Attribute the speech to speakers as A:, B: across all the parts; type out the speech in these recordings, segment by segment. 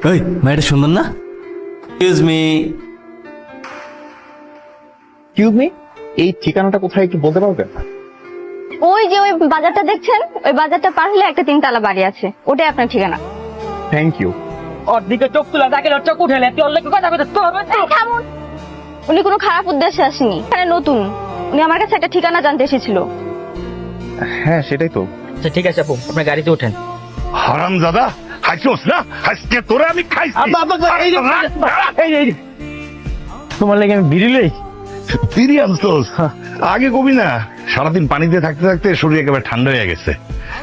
A: ওই মেয়েটা সুন্দর না? Excuse me.
B: এক্সকিউজ মি, এই ঠিকানাটা কোথায় একটু বলতে পারবেন?
C: ওই যে ওই বাজারটা দেখছেন, ওই বাজারটা পার হলে একটা 3 তলা বাড়ি আছে, ওটাই আপনার ঠিকানা।
B: Thank you.
D: ওর দিকে চোখ তুলা তাকে চোখ উঠেলে তুই ওর লোকে কথা বলতে তোর
C: এই থামুন, উনি কোনো খারাপ উদ্দেশ্যে আসেনি, এখানে নতুন, উনি আমার কাছে একটা ঠিকানা জানতে এসেছিল।
B: হ্যাঁ সেটাই তো।
D: আচ্ছা ঠিক আছে আপু, আপনার গাড়িতে ওঠেন।
E: হারাম দাদা, খাইছোস না? আজকে তোরে আমি খাইছি।
D: তোমার লাগে আমি বিড়ি লই।
E: বিড়ি আনছোস? আগে কবি না, সারাদিন পানিতে থাকতে থাকতে শরীর একেবারে ঠান্ডা হয়ে গেছে।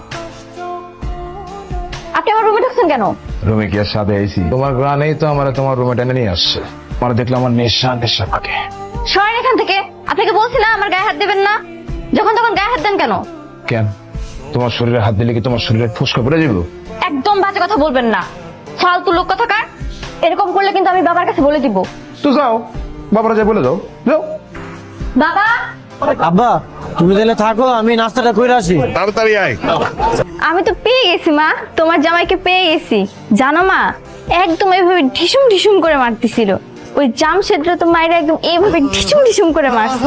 C: আপনি আমার রুমে ঢুকছেন কেন?
F: রুমে কি আর সাথে আইছি? তোমার গ্রানেই তো আমার তোমার রুমে টেনে নিয়ে আসছে। আমার দেখলে আমার নেশা নেশা থাকে।
C: সরেন এখান থেকে, আপনাকে বলছি না আমার গায়ে হাত দেবেন না, যখন তখন গায়ে হাত দেন কেন?
F: কেন? তোমার শরীরে হাত দিলে কি তোমার শরীরে ফুসকা পড়ে যাবো?
C: একদম বাজে কথা বলবেন না, ফালতু লোক কথাকার। এরকম করলে কিন্তু আমি বাবার কাছে বলে দিব।
F: তো যাও, বাবারা যা বলে যাও, যাও।
C: বাবা,
A: আব্বা তুমি তাহলে থাকো, আমি নাস্তাটা করে আসি।
E: তাড়াতাড়ি আয়।
C: আমি তো পেয়ে গেছি মা, তোমার জামাইকে পেয়ে গেছি। জানো মা, একদম এইভাবে ঢিসুম ঢিসুম করে মারতেছিল। ওই জামশেদরা তো মায়েরা একদম এইভাবে ঢিসুম ঢিসুম করে মারছে।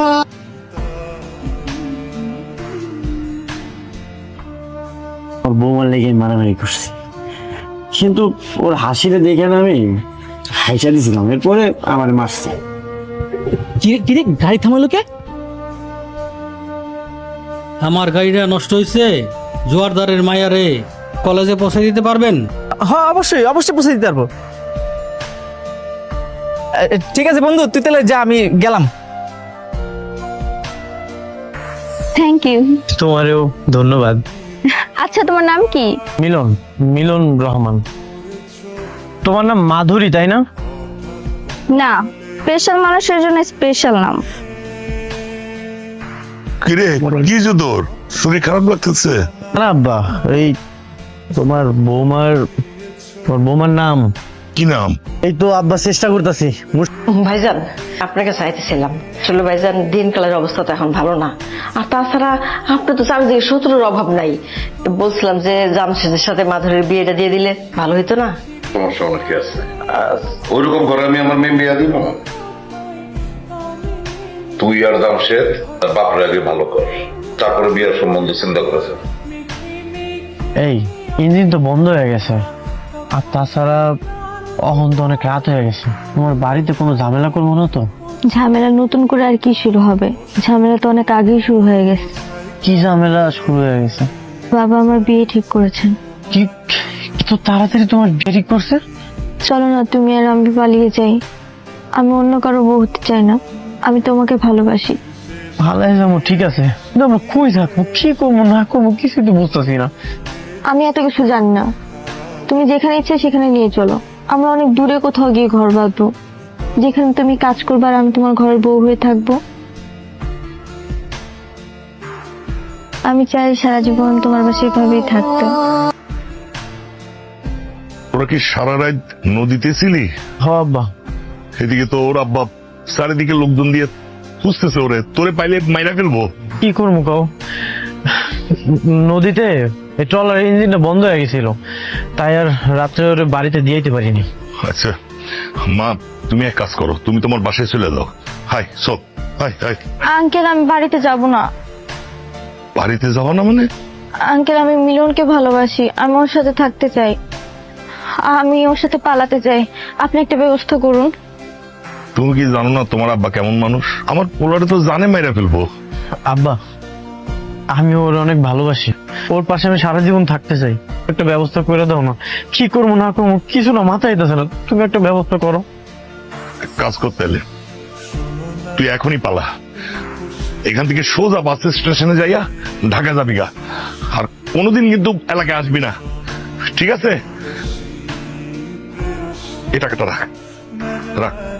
A: ওর বৌমার লেগে মারামারি করছি, কিন্তু ওর হাসিটা দেখে না আমি হাইসা দিছিলাম, এরপরে আমার মারছে।
D: কিরে গাড়ি থামালো কে?
G: আমার গাড়িটা নষ্ট হয়েছে, জোয়ারদারের মায়ারে কলেজে পৌঁছে দিতে পারবেন?
A: হ্যাঁ অবশ্যই অবশ্যই পৌঁছে দিতে পারবো। ঠিক আছে বন্ধু, তুই তাহলে যা, আমি গেলাম।
C: Thank you.
A: তোমারও ধন্যবাদ।
C: আচ্ছা তোমার নাম কি?
A: মিলন, মিলন রহমান। তোমার নাম মাধুরী তাই না?
C: না, স্পেশাল মানুষের জন্য স্পেশাল নাম।
E: কিরে, কি যে তোর শরীর খারাপ লাগতেছে?
A: না আব্বা, এই তোমার বৌমার নাম
E: কি নাম?
A: এই তো আব্বা চেষ্টা করতেছি।
H: ভাইজান আপনাকে চাইতেছিলাম, আসলে ভাইজান দিনকালের অবস্থা তো এখন ভালো না, আর তাছাড়া আপনি তো চারিদিকে শত্রুর অভাব নাই। বলছিলাম যে জামশেদের সাথে মাধুরীর বিয়েটা দিয়ে দিলে ভালো হইতো না?
E: সমস্যা অনেক আছে, ওইরকম করে আমি আমার মেয়ে বিয়া দিব না। তুই আর জামশেদ তার বাপের আগে ভালো কর, তারপরে বিয়ের সম্বন্ধ চিন্তা করেছে।
A: এই ইঞ্জিন তো বন্ধ হয়ে গেছে, আর তাছাড়া এখন তো অনেক রাত হয়ে গেছে। তোমার বাড়িতে কোনো ঝামেলা করবো না তো?
C: ঝামেলা নতুন করে আর কি শুরু হবে, ঝামেলা তো অনেক আগেই শুরু হয়ে গেছে।
A: কি ঝামেলা শুরু হয়ে গেছে?
C: বাবা আমার বিয়ে ঠিক করেছেন।
A: কি তো তাড়াতাড়ি তোমার বিয়ে ঠিক করছে?
C: চলো না তুমি আর আমি পালিয়ে যাই, আমি অন্য কারো বউ হতে চাই না, আমি তোমাকে ভালোবাসি।
A: ভালো যাবো, ঠিক আছে, কিন্তু আমরা কই থাকবো, কি করবো না করবো কিছু তো বুঝতেছি না।
C: আমি এত কিছু জানি না, তুমি যেখানে ইচ্ছে সেখানে নিয়ে চলো, আমরা অনেক দূরে কোথাও গিয়ে ঘর বাঁধবো, যেখানে তুমি কাজ করবে আর আমি তোমার ঘরের বউ হয়ে থাকবো। আমি চাই সারা জীবন তোমার বাসায় এভাবেই থাকতে।
E: ওরা কি সারা রাত নদীতে ছিলি?
A: হ আব্বা।
E: এদিকে তো ওর আব্বা চারিদিকে লোকজন দিয়ে খুঁজতেছে, ওরে তোরে পাইলে মাইরা ফেলবো।
A: কি করবো কাও, নদীতে এই ট্রলার ইঞ্জিনটা বন্ধ হয়ে গেছিল, তাই আর রাত্রে ওরে বাড়িতে দিয়ে যেতে পারিনি।
E: আচ্ছা মা, তুমি এক কাজ করো, তুমি তোমার বাসায় চলে যাও। হাই সব, হাই হাই।
C: আঙ্কেল আমি বাড়িতে যাব না।
E: বাড়িতে যাওয়া না মানে?
C: আঙ্কেল আমি মিলনকে ভালোবাসি, আমি ওর সাথে থাকতে চাই, আমি ওর সাথে পালাতে চাই, আপনি একটা ব্যবস্থা করুন।
E: তুমি কি জানো না তোমার আব্বা কেমন মানুষ? আমার পোলারে তো জানে মাইরা ফেলবো।
A: আব্বা আমি ওর অনেক ভালোবাসি, ওর পাশে আমি সারা জীবন থাকতে চাই, একটা ব্যবস্থা করে দাও না। কি করবো না করবো কিছু না মাথায় আইতাছে না, তুমি একটা ব্যবস্থা করো।
E: এক কাজ করতে এলে তুই এখনই পালা, এখান থেকে সোজা বাস স্টেশনে যাইয়া ঢাকা যাবি গা, আর কোনোদিন কিন্তু এলাকায় আসবি না, ঠিক আছে? এই টাকাটা রাখ, রাখ।